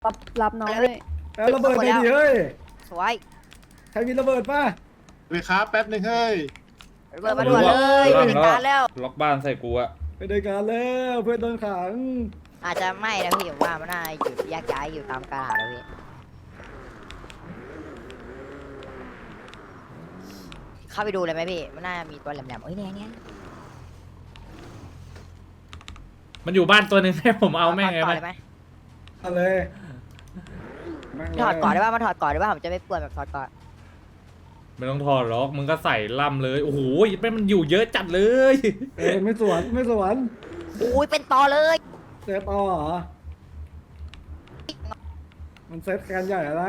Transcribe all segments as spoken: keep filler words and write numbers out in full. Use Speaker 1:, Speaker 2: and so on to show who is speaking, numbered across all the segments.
Speaker 1: รับรับน้องเลย
Speaker 2: แล้วระเบิดไปดิเฮ้ย
Speaker 3: สวย
Speaker 2: ใครมีระเบิดป่ะ
Speaker 4: ไปครับแป๊บหนึ่งเฮ้ย
Speaker 3: เปิดมาด่วนเลย
Speaker 5: ล็อก
Speaker 3: จัดการแล้ว
Speaker 5: ล็อกบ้านใส่กูอะ
Speaker 2: ไปด้วยกันแล้วเพื่อนโดนขัง
Speaker 3: อาจจะไม่นะพี่ผมว่ามันน่าอยู่แยกย้ายอยู่ตามกาลนะพี่เข้าไปดูเลยไหมพี่มันน่ามีตัวแหลมๆเอ้ยเนี่ยเนี่ย
Speaker 5: มันอยู่บ้านตัวหนึ่งให้ผมเอาแม่งไง
Speaker 3: ถอด
Speaker 5: ไหม
Speaker 3: ได้ไหม
Speaker 2: เอาเลยแม่งเลย
Speaker 3: ถอดก่อนได้ป่ะมาถอดก่อนได้ป่ะผมจะไม่ปวดแบบถอดก่อน
Speaker 5: ไม่ต้องถอดล็อกมึงก็ใส่ล่ำเลยโอ้โหแม่งมันอยู่เยอะจัดเลย
Speaker 2: เออไม่สวนไม่สวน
Speaker 3: อุ้ยเป็นตอเลย
Speaker 2: เซตต่อเหรอมันเซตกันใหญ่แล้วนะ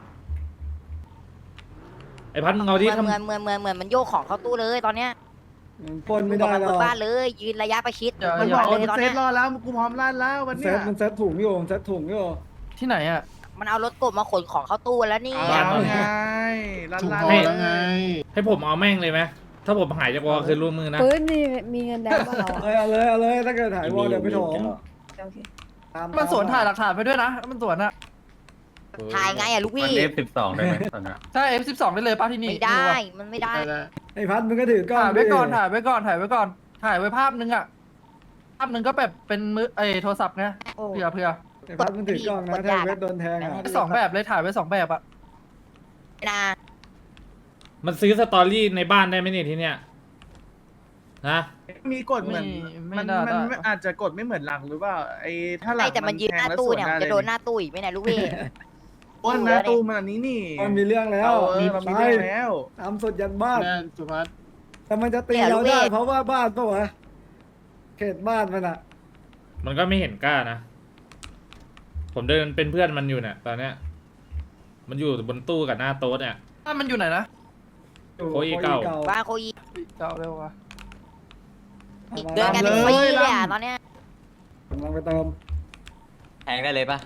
Speaker 5: ไอ้พัดมึงเอา
Speaker 3: เห
Speaker 5: ดิ
Speaker 3: มือน
Speaker 5: ทำ
Speaker 3: เหมือนเหมือนเหมือนเหมือนมันโยกของเข้าตู้เลยตอนเนี้ย
Speaker 2: มันปล้นไม่ได้หร
Speaker 3: บ
Speaker 2: อก
Speaker 3: บ้านเลยยืนระยะประชิด
Speaker 6: เดี๋ยว
Speaker 3: มัน
Speaker 6: เดี๋
Speaker 3: บ
Speaker 6: ยว
Speaker 3: อกเลยตอน
Speaker 6: เซ
Speaker 3: เนี้
Speaker 6: ต
Speaker 3: ย
Speaker 6: รอแล้วกูพร้อมลั่นแล้ววัน
Speaker 2: เซ
Speaker 6: เนี้
Speaker 2: ต
Speaker 6: ย
Speaker 2: มันเซตถุงอยู่มันเซตถุงอยู่
Speaker 6: ที่ไหนอ่ะ
Speaker 3: มันเอารถกบมาขนของเข้าตู้แล้วนี่
Speaker 6: เอาไงลั่น
Speaker 4: ถูก
Speaker 6: ลั่น
Speaker 4: พอแล้วไง
Speaker 5: ให้ผมเอาแม่งเลยไหมถ้าผมหายจากวอคือร่วมมือนะ
Speaker 1: ปืนมีมีเงินแดงป่ะเรา
Speaker 2: เอ้ยเอาเลยเอาเลยถ้าเกิดถ่ายวอลเดี๋ยวไปถม
Speaker 1: โอเค
Speaker 2: ตาม
Speaker 6: มันสวนถ่ายหลักฐานไปด้วยนะมันสวนอ่ะ
Speaker 3: ถ่ายไงอะลูก
Speaker 7: มัน
Speaker 3: พี่
Speaker 7: เอฟสิบสองได้ไหมตอนนี้
Speaker 6: ใช่ เอฟ สิบสอง ได้เลยป้าที่นี่
Speaker 3: ไม่ได้ มันไม่ได้
Speaker 4: ได้แล้ว
Speaker 2: ไอ้พัดมึงก็ถือกล้อง
Speaker 6: ถ่ายไว้
Speaker 2: ดิ
Speaker 6: ก่อนถ่ายไว้ก่อนถ่ายไว้ก่อนถ่ายไว้ภาพนึงอ่ะภาพนึงก็แบบเป็นมือไอโทรศัพท์ไง
Speaker 3: โอ้
Speaker 6: เผื่อเผื่อ
Speaker 2: ไอ้พัดมึงถือกล้องนะถ้าเวทโดนแทงอ่ะ
Speaker 6: สองแบบเลยถ่ายไว้สองแบบอ่ะ
Speaker 3: นะ
Speaker 5: มันซื้อสตอรี่ในบ้านได้ไหมเนี่ยทีเนี้ยนะ
Speaker 8: มีกฎเหมือน
Speaker 6: ไม่
Speaker 8: มัน
Speaker 6: น่า
Speaker 8: มัน
Speaker 6: ได้
Speaker 8: มันอาจจะกฎไม่เหมือนหลังหรือเปล่าไอ้ถ้าหลั
Speaker 3: ไม่
Speaker 8: ง
Speaker 3: แต่มันยืนหน้าตู้เนี่ยมันจะโดนหน้าตู้อีกไหมเนี่ยลูกพี่
Speaker 8: อ้วนหน้าตู้มันอันนี้นี่
Speaker 2: มันมีเรื่องแล้ว
Speaker 8: เออมันมีเรื่องแล้ว
Speaker 2: ทำสุดยันบ้าน
Speaker 4: แน่สุภัส
Speaker 2: แต่มันจะตีเราได้เพราะว่าบ้านปะวะเขตบ้านมันอ่ะ
Speaker 5: มันก็ไม่เห็นกล้านะ ผมเดินเป็นเพื่อนมันอยู่เนี่ยตอนเนี้ย มันอยู่บนตู้กับหน้าโต๊ะเนี่ย
Speaker 6: บ้านมันอยู่ไหนนะ
Speaker 5: โคอีเก่า
Speaker 3: บ้านโคอี
Speaker 6: เก่าเร็ววะ
Speaker 3: เดินกันเป็นปีเลยอ่ะตอนเนี้ย
Speaker 2: กำลังไปเติม
Speaker 7: แทงได้เลยปะ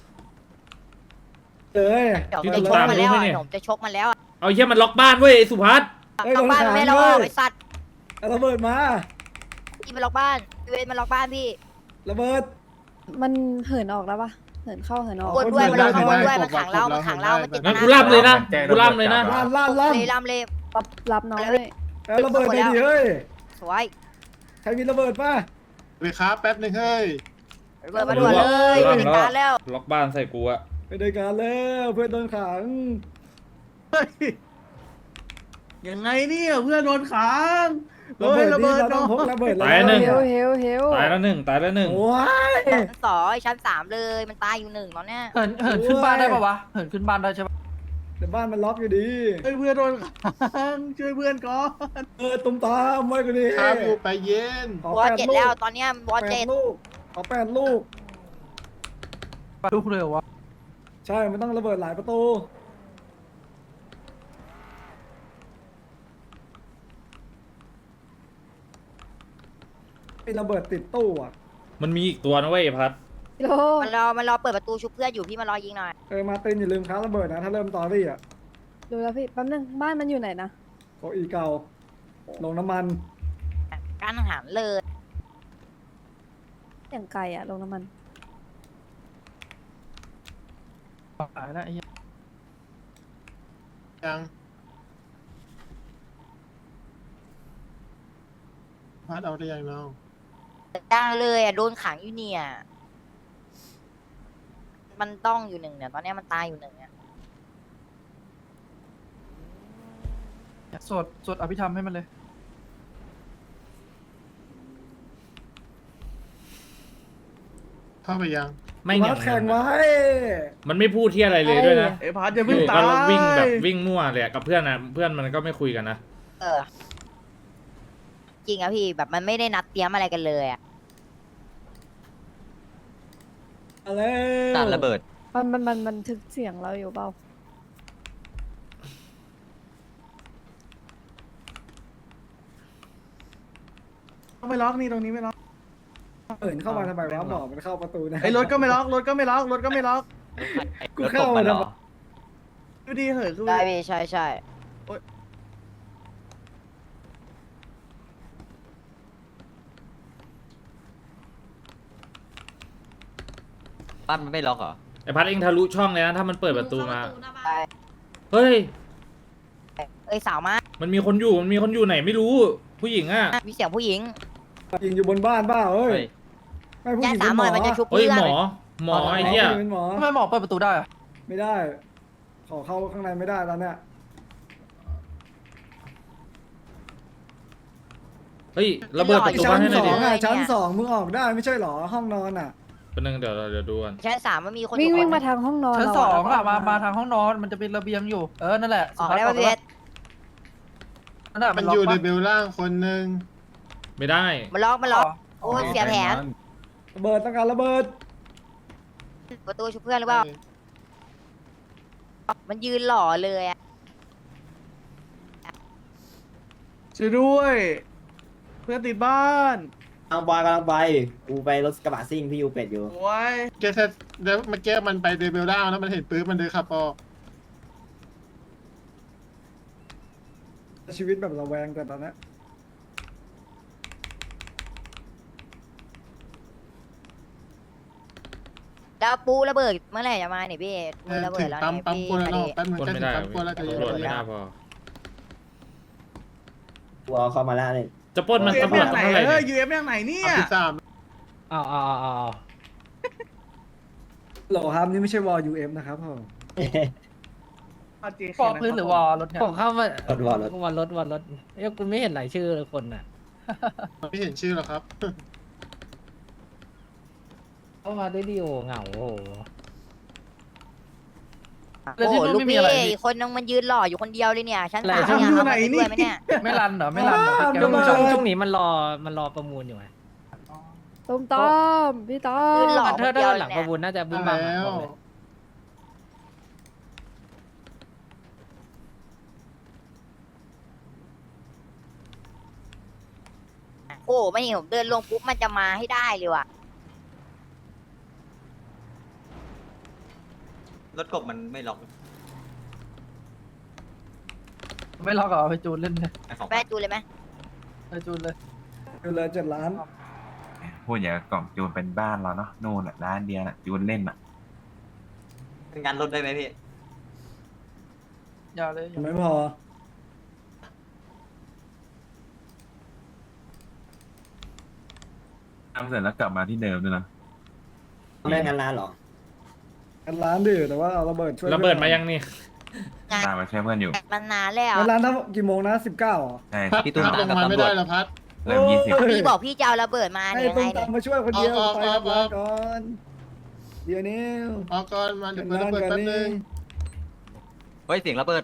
Speaker 2: เลย
Speaker 3: เดี๋ยวจะชกมันแล้วอะผมจะชกมันแล้วอะ
Speaker 5: เอาเหี้ยมันล็อกบ้านเว้ยไอ้สุภัส
Speaker 3: ล็อกบ้านมันไม่ล็อกไอ้สัตว์
Speaker 2: เอาระเบิดมา
Speaker 3: พี่มันล็อกบ้านพี่เวนมันล็อกบ้านพี่
Speaker 2: ระเบิด
Speaker 1: มันเหินออกแล้วปะเหินเข้าเหินออก
Speaker 3: บนด้วยมันล็อกข้างบนด้วยมันขังเรามันขังเรามันติด
Speaker 5: งั้นกูล่ำเลยนะกูล่ำเลยนะ
Speaker 2: ล่านล่านล่าน
Speaker 3: เลยลำเลย
Speaker 1: รับรับน้องเลย
Speaker 2: แล้วระเบิดไปดิเฮ้ย
Speaker 3: สวย
Speaker 2: ใครมีระเบิดป่ะ
Speaker 4: ไปครับแป๊บหนึ่งเฮ้ย
Speaker 3: เปิดมาด่วนเลยจัดการแล้ว
Speaker 5: ล็อกบ้านใส่กูอะ
Speaker 2: ไปด้วยกันแล้วเพื่อนโดนขัง
Speaker 8: เฮ้ยยังไงเนี่ยเพื่อนโดนขัง
Speaker 2: ระ
Speaker 8: เฮ้
Speaker 2: เบิ
Speaker 8: ย
Speaker 2: ด
Speaker 8: ระ
Speaker 2: นี่
Speaker 8: เบิด
Speaker 2: เราต้
Speaker 8: น้
Speaker 2: อ
Speaker 8: อง ง
Speaker 2: พกระเบิด
Speaker 5: ตายหนึ่ง
Speaker 1: เฮวเฮวเฮว
Speaker 5: ตายแล้วหนึ่งตายแล้วหนึ่ง
Speaker 2: โอ้ย
Speaker 3: ชั้นสองชั้นสามเลยมันตายอยู่หนึ่งตอนเนี้ย
Speaker 6: เหินเหินขึ้นบ้านได้ปะวะเหินขึ้นบ้านได้ใช่ปะ
Speaker 2: แต่บ้านมันล็อกอยู่ดี
Speaker 8: เฮ้ยเพื่อนโดนขังช่วยเพื่อนก่อน
Speaker 2: เออตุ้มตามไว้กูดี
Speaker 4: ครับอยู่ไปเย็น
Speaker 2: ขอ
Speaker 3: วอ
Speaker 2: แปด
Speaker 3: เจ็ด
Speaker 2: ลู
Speaker 3: แล้ว
Speaker 2: ก
Speaker 3: ตอนเนี้ยวอ
Speaker 2: แป
Speaker 3: เจ็
Speaker 2: ด
Speaker 3: ด
Speaker 2: ลูกขอแปดลูก
Speaker 6: ลูกเร็ววะ
Speaker 2: ใช่ มันต้องระเบิดหลายประตู ไอ้ระเบิดติดตู้อ่ะ
Speaker 5: มันมีอีกตัวนะเว้ยไอ้พัด
Speaker 1: โล
Speaker 3: มันรอมันรอเปิดประตูชุบเพื่อนอยู่พี่มารอยิงหน่อย
Speaker 2: เออ มาร์ตินอย่าลืมค้าระเบิดนะ ถ้าเริ่มตอรี่อ่ะ
Speaker 1: ดูแล้วพี่แป๊บนึงบ้านมันอยู่ไหนนะ
Speaker 2: โคอีเก่า ลงน้ำมัน
Speaker 3: การอาหารเลย
Speaker 1: อย่างไกลอะลงน้ำมัน
Speaker 6: ตายแล้วไอ้เหี้ย
Speaker 4: ยังพัดเอาได้ยังน้อง
Speaker 3: จ้างเลยอ่ะโดนขังอยู่เนี่ย มันต้องอยู่หนึ่งเนี่ยตอนเนี้ยมันตายอยู่หนึ่งเนี่ย
Speaker 6: สวดสวดอภิธรรมให้มันเลย
Speaker 4: เข้าไปยัง
Speaker 5: ไม่เหนี
Speaker 2: วั
Speaker 5: ยว
Speaker 2: ดแข่งไว้
Speaker 5: มันไม่พูดที่อะไรเลยด้วยนะ
Speaker 8: ไอ้พัดจะ
Speaker 5: อ
Speaker 8: เพิ่ง
Speaker 5: ยู่
Speaker 8: ตา
Speaker 5: ก็
Speaker 8: ย
Speaker 5: วิ่งแบบวิ่งมั่วเลยอะกับเพื่อนนะเพื่อนมันก็ไม่คุยกันนะ
Speaker 3: เออ จริงอะพี่แบบมันไม่ได้นัดเตรียมอะไรกันเลยอะ
Speaker 2: อะไร
Speaker 7: ตัดระเบิด
Speaker 1: มันมันมันบันทึกเสียงเราอยู่เปล่า
Speaker 8: ต้องไม่ล็อกนี่ตรงนี้ไม่ล็อก
Speaker 2: เอินเข้ามาทำไมวะบอกมันเข้าประตูนะ
Speaker 8: ไอ้รถก็ไม่ล็อกรถก็ไม่ล็อกรถก็ไม่ล็อก
Speaker 2: กูเข้ามาทำไม
Speaker 8: ดูดีเหอะคือ
Speaker 3: ได้พี่ใช่ใช่
Speaker 7: บ้านมันไม่ล็อกเหรอ
Speaker 5: ไอพัดเองทะลุช่องเลยนะถ้ามันเปิดประตูมา
Speaker 3: ไป
Speaker 5: เฮ้ย
Speaker 3: เอ้ยสาวมา
Speaker 5: มันมีคนอยู่มันมีคนอยู่ไหนไม่รู้ ผู้หญิงอ่ะ
Speaker 3: มีเสียงผู้หญิง
Speaker 2: ยิงอยู่บนบ้านเปล่าเอ้ย
Speaker 7: เฮ้ย
Speaker 2: ไม่ผู้ห
Speaker 3: ย่า
Speaker 2: ญิง
Speaker 3: สา
Speaker 2: เป็น
Speaker 3: ม
Speaker 2: หม
Speaker 3: หน่
Speaker 2: อ
Speaker 3: อยมันจะชุบ
Speaker 5: เฮ้ย
Speaker 3: เพื่อน
Speaker 5: หมอ หมอไอ้เหี้ย
Speaker 2: เป็นหมอ
Speaker 6: ทำไมหมอเปิดประตูได้อะ
Speaker 2: ไม่ได้ ขอเข้าข้างในไม่ได้ตอนเนี้ย
Speaker 5: เฮ้ยระเบิดประตู
Speaker 2: ชั้
Speaker 5: บ้าน
Speaker 2: น
Speaker 5: ให้ห
Speaker 2: ส
Speaker 5: น่อย
Speaker 2: อ
Speaker 5: ดิ
Speaker 2: งอ่ะชั้นสองมึงออกได้ไม่ใช่เหรอห้องนอนอ่ะ
Speaker 5: เป็นนึงเดี๋ยวเราเดี๋ยวดูกัน
Speaker 3: ชั้นสามมันมีคนอ
Speaker 1: วิ่ง
Speaker 3: ยู่
Speaker 1: วิ่ง
Speaker 3: คน
Speaker 1: มาทางห้องนอน
Speaker 6: ชั้น
Speaker 1: เรา
Speaker 6: สอง
Speaker 1: แล้ว
Speaker 6: อะ
Speaker 1: ก็
Speaker 6: มามาทางห้องนอนมันจะเป็นระเบียงอยู่เออนั่นแหละ
Speaker 3: ออกได้ป่ะ
Speaker 6: สุ
Speaker 3: พี่
Speaker 6: ภั
Speaker 3: เอ
Speaker 6: ส
Speaker 3: ส
Speaker 6: นั่นแหละ
Speaker 4: มั
Speaker 6: มัน นล็
Speaker 4: อ
Speaker 6: อก
Speaker 4: ยู่ใน
Speaker 6: ปะ
Speaker 4: เบลล่างคนหนึ่ง
Speaker 5: ไม่ได้
Speaker 3: มันล็อกมันล็อกโอ้ยเสียแผน
Speaker 2: ระเบิดต้องการระเบิด
Speaker 3: ประตูชุบเพื่อนหรือเปล่ามันยืนหล่อเลยอะ
Speaker 8: ช่วยด้วย เพื่อนติดบ้าน
Speaker 9: กำลังบอยกำลังไปกูไปรถกระบะซิ่งพี่ยูเป็ดอยู่
Speaker 8: โอ้ย
Speaker 4: แกแค่แล้วเมื่อกี้มันไปในเบลล่างแล้วมันเห็นปื๊บมันเดินขับออก
Speaker 2: ชีวิตแบบระแวงแต่ตอนเนี้ย
Speaker 3: แล้วปูระเบิดเมื่อไหร่จะมาเนี่ยพี่
Speaker 4: เอ
Speaker 3: มือ
Speaker 4: อ
Speaker 3: ระเบิ
Speaker 4: ถึ
Speaker 3: ด
Speaker 4: ง
Speaker 3: แล้ว
Speaker 4: ปั๊ม
Speaker 3: เนี่ย
Speaker 4: ปั๊ม
Speaker 3: พี่
Speaker 4: กวนแล้ว
Speaker 3: มา
Speaker 4: เนาะ
Speaker 3: ดิ
Speaker 4: แป๊บนึง
Speaker 5: คน
Speaker 4: แค่
Speaker 5: ไม่
Speaker 4: ถึง
Speaker 5: ได้
Speaker 4: ปั๊มกวนแล้วจะ
Speaker 5: ตำรวจไม่น่าพอ
Speaker 9: กูเอาเข้ามาแล้วเนี่ย
Speaker 5: จะปล้นมัน
Speaker 8: ยูเอ็ม
Speaker 5: ตำรวจ
Speaker 8: ยังไหน
Speaker 5: เท่าไหร่
Speaker 8: เอ้
Speaker 5: เนี่ย
Speaker 8: ยยูเอ็มยังไหนเนี่ย
Speaker 4: ปั๊มที่สาม
Speaker 10: อ้าวอ้าวอ้าวอ้าว
Speaker 2: โหลครับนี่ไม่ใช่วอลยูเอ็มนะครับผม
Speaker 6: ฟอกพื้นหรือวอลรถเนี่ย
Speaker 10: ผมเข้ามา
Speaker 9: รถวอลรถ
Speaker 10: วันรถวันรถเอ้ยคุณไม่เห็นรายชื่อเลยคนน่ะ
Speaker 4: ไม่เห็นชื่อหรอครับ
Speaker 10: เข้ามาได้ดีโอเหงาโอ้โห
Speaker 6: แล้ว
Speaker 3: โอ้
Speaker 6: ที่
Speaker 3: โห
Speaker 6: นู่น
Speaker 3: ลูก
Speaker 6: ไม่มี
Speaker 3: พี่
Speaker 6: อะไร
Speaker 3: อีกคนนึงมันยืนหล่ออยู่คนเดียวเลยเนี่ยชั้นสาม
Speaker 8: ทำ
Speaker 3: เนี่ย
Speaker 8: อยู่
Speaker 3: เอา
Speaker 8: ไหน
Speaker 3: มา
Speaker 8: นี่
Speaker 3: ด้วยไหมเนี่ย
Speaker 6: ไม่รันเหรอไม่รันเหรอพี่แก
Speaker 10: ช่วง
Speaker 2: ระเบิด
Speaker 10: ช่วงช่วงนี้มันรอมันรอประมูลอยู่ไง
Speaker 1: ต้มต้มพี่ต้อ
Speaker 3: ยื
Speaker 1: ม
Speaker 3: นหล่อ
Speaker 10: อันเธอร์ด้านหลังประมูลน่าจะบึ้มบ้าม
Speaker 4: แล้ว
Speaker 10: หมดเลย
Speaker 3: โอ้โหไม่เห็นผมเดินลงปุ๊บมันจะมาให้ได้เลยว่ะ
Speaker 7: รถกบมันไม่ล็อก
Speaker 6: ไม่ล็อกเหรอไปจูนเล่นเลย
Speaker 7: ไอ้ของ
Speaker 3: แม่จูนเลยไหม
Speaker 6: ไปจูนเลย
Speaker 2: คือเลยเจ็ดล้าน
Speaker 11: พูดอย่างกับกล่องจูนเป็นบ้านเราเนาะนู่นน่ะร้านเดียวน่ะจูนเล่นอ่ะ
Speaker 7: งานรถได้ไหมพี่
Speaker 6: อย่าเลยอย่า
Speaker 2: ไม่พอ
Speaker 11: ทำเสร็จแล้วกลับมาที่เดิมด้วยนะ
Speaker 9: ไม่งานร้านเหรอ
Speaker 2: กันล้านดิแต่ว่าเอาระเบิดช่วย
Speaker 5: ระเบิดมายังนี่
Speaker 3: งาน
Speaker 11: ตามมาช่วยเพื่อนอยู่
Speaker 3: มันนานแล้ว
Speaker 2: กันล้านทั้งกี่โมงนะสิบเก้าอ่ะ
Speaker 11: ใช่
Speaker 4: พัด
Speaker 7: พี่ตุ้ม
Speaker 4: พัดล
Speaker 7: ตาม
Speaker 4: ง
Speaker 7: กับ
Speaker 4: มาไม่
Speaker 7: ตำรว
Speaker 4: ได้
Speaker 7: จ
Speaker 4: เหรอพัด
Speaker 11: เริ่มยี่สิบ
Speaker 3: พี่บอกพี่จะเอาระเบิดมา
Speaker 2: ให้
Speaker 3: เนี่ยยัง
Speaker 2: ต้
Speaker 3: ไง
Speaker 2: ม
Speaker 3: เนี่ย
Speaker 2: ตำมาช่วยคนเดียว
Speaker 4: ออก
Speaker 2: ไป
Speaker 4: ออก
Speaker 2: กับ
Speaker 4: อ
Speaker 2: ร้า
Speaker 4: อน ก
Speaker 2: ก่อนเดี๋ยวนี้
Speaker 4: ออกก่อนมาเดี๋ยวเปิดระเบิด
Speaker 2: ก่อน
Speaker 4: แป๊บ
Speaker 2: นี่
Speaker 4: นึง
Speaker 7: เฮ้ยเสียงระเบิด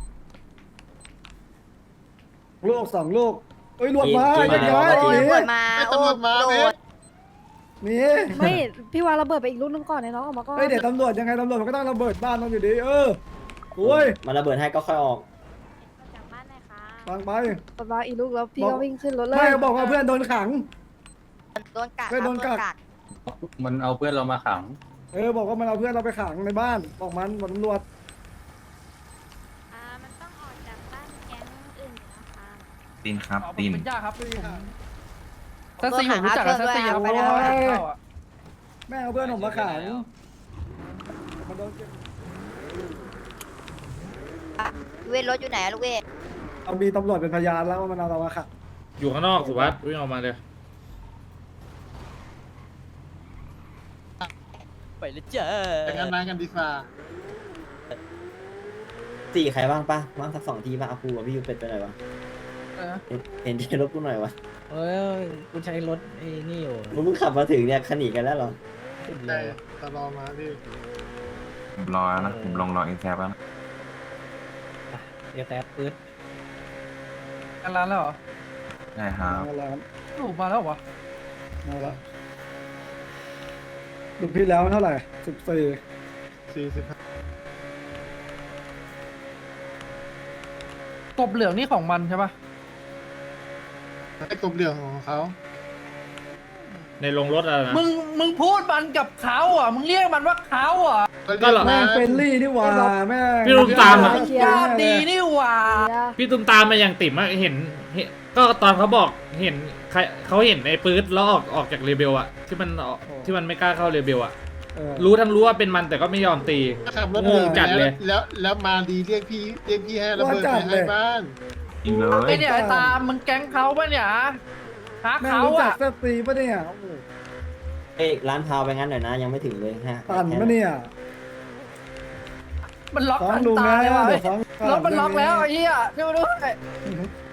Speaker 2: ลูกสองลูกเอ้ยรวดมา
Speaker 9: กิน
Speaker 2: เรียบ
Speaker 9: มา
Speaker 2: ร้อย
Speaker 3: โอ้ย
Speaker 2: หนี
Speaker 3: ระเบิดมา
Speaker 4: ไอ้
Speaker 3: โอ้
Speaker 4: ตำรวจมา
Speaker 3: โด
Speaker 4: เว้ย
Speaker 3: ด
Speaker 2: หนี
Speaker 1: ไม่พี่วางระเบิดไปอีกลูกนึงก่อนไอ้น้องออกมาก่อน
Speaker 2: เฮ้ยเดี๋ยวตำรวจยังไงตำรวจมันก็ต้องระเบิดบ้านมันอยู่ดีเออโอ้ย
Speaker 9: มันระเบิดให้ก็ค่อยออก
Speaker 3: จากบ้านเลยค่ะ
Speaker 2: ฟังไป
Speaker 1: วางอีกลูกแล้วพี่
Speaker 2: บอก
Speaker 1: ก็วิ่งขึ้นรถเลย
Speaker 2: ไม่บอกว่าเพื่อนโดนขัง
Speaker 3: โดนกัด
Speaker 2: เฮ้ยโดนกัด
Speaker 7: มันเอาเพื่อนเรามาขัง
Speaker 2: เออบอกว่ามันเอาเพื่อนเราไปขังในบ้านบอกมันบอกตำรวจ
Speaker 3: อ่ามันต้องออกจากบ้านแก๊งอื่นนะคะ
Speaker 11: ตีนครับ
Speaker 6: อ๋อผม
Speaker 11: ตีน
Speaker 6: เป็นย่าครับผมเซนซีผมรู้จักกับเซนซีครับเพราะว่าเขาแอบเข้าอ่ะ
Speaker 2: แม่เอาเพื่อนผมมาขังมันโดนเก็บ
Speaker 3: เวทรถอยู่ไหนอะลูกเวท
Speaker 2: เอามีตำรวจเป็นพยานแล้วว่ามันเอาเรามาขัง
Speaker 5: อยู่ข้างนอกสุวัสด์วิ่งออกมาเลย
Speaker 3: ไปเลยเจ้
Speaker 4: ไปงานร้านกันดีกว่า
Speaker 9: สี่ใครบ้างปะบ้างสักสองทีป่ะเอากูกับพี่ยูเป็ดไปหน่อยวะ
Speaker 6: เออ
Speaker 9: เห็นเห็นที่รถกูหน่อยวะ
Speaker 10: เอ้ยกูใช้รถไอ้นี่อยู่
Speaker 9: มึงเพิ่งขับมาถึงเนี่ยขนีกันแล้วเหรอ
Speaker 10: สุดเล
Speaker 4: ได้
Speaker 10: ย
Speaker 4: ตลอมาพี่
Speaker 11: ผมรอแล้วนะผมลงรอเอ็นแซฟแล้วนะ
Speaker 10: เดี๋ยวแต่ปืน
Speaker 6: กันร้านแล้วเหรอ
Speaker 11: ใช่ครับ
Speaker 2: มาแล้ว
Speaker 6: ถูกมาแล้วเหรอ
Speaker 2: มาแล้วลูกพี่แล้วเท่าไหร่สิบสี่
Speaker 4: สี่สิบห้าก
Speaker 6: บเหลืองนี่ของมันใช่ปะ
Speaker 4: ไอ้กบเหลืองของเขา
Speaker 5: ในโรงรถอะไรนะ
Speaker 6: มึงมึงพูดมันกับเขาอ่ะมึงเรียกมันว่าเขาอ่ะ
Speaker 5: ก็เหรอ
Speaker 2: แม่งเฟรนลี่นี่หว่าแม่ง
Speaker 5: พี่ลุงตามอะ
Speaker 6: ญาติดีนี่หว่า
Speaker 1: เดี๋ยว
Speaker 5: พี่ตุ้มตามมาอย่างติ่มอะเห็นเห็นก็ตอนเขาบอกเห็นใครเขาเห็นไอ้ปื๊ดแล้วออกออกจากเรเบลอะที่มันออกที่มันไม่กล้าเข้าเรเบลอะ
Speaker 2: เออ
Speaker 5: รู้ทั้งรู้ว่าเป็นมันแต่ก็ไม่ยอมตี
Speaker 4: ขับรถ
Speaker 5: งงจัดเลย
Speaker 4: แล้วแล้วมาดีเรียกพี่เรียกพี่ให้ระเบิด
Speaker 2: ว่าจั
Speaker 4: ไป
Speaker 2: ดเลย
Speaker 4: ให้บ้าน
Speaker 11: จริงเล
Speaker 6: ไอ้
Speaker 11: ย
Speaker 6: เนี่ยไอ้ตามมึงแก๊งเขาปะเนี่ยฮะ
Speaker 2: แม่ง
Speaker 6: เขา
Speaker 2: รู้จัก
Speaker 6: อะ
Speaker 2: สตรีปะเนี่ยโอ้โห
Speaker 9: เอ้ยร้านพาวไปงั้นหน่อยนะ ยังไม่ถึงเลยฮะ
Speaker 2: ตันปะเนี่ย
Speaker 6: มันล็อก
Speaker 2: ฟ้อง
Speaker 6: อัน
Speaker 2: ลุง
Speaker 6: ตา
Speaker 2: นะ
Speaker 6: ยว่ะ
Speaker 2: เดี๋ยวฟ้อง
Speaker 6: รถมันล็อกแล้วไอ้เหี้ยช่วยมาด้วย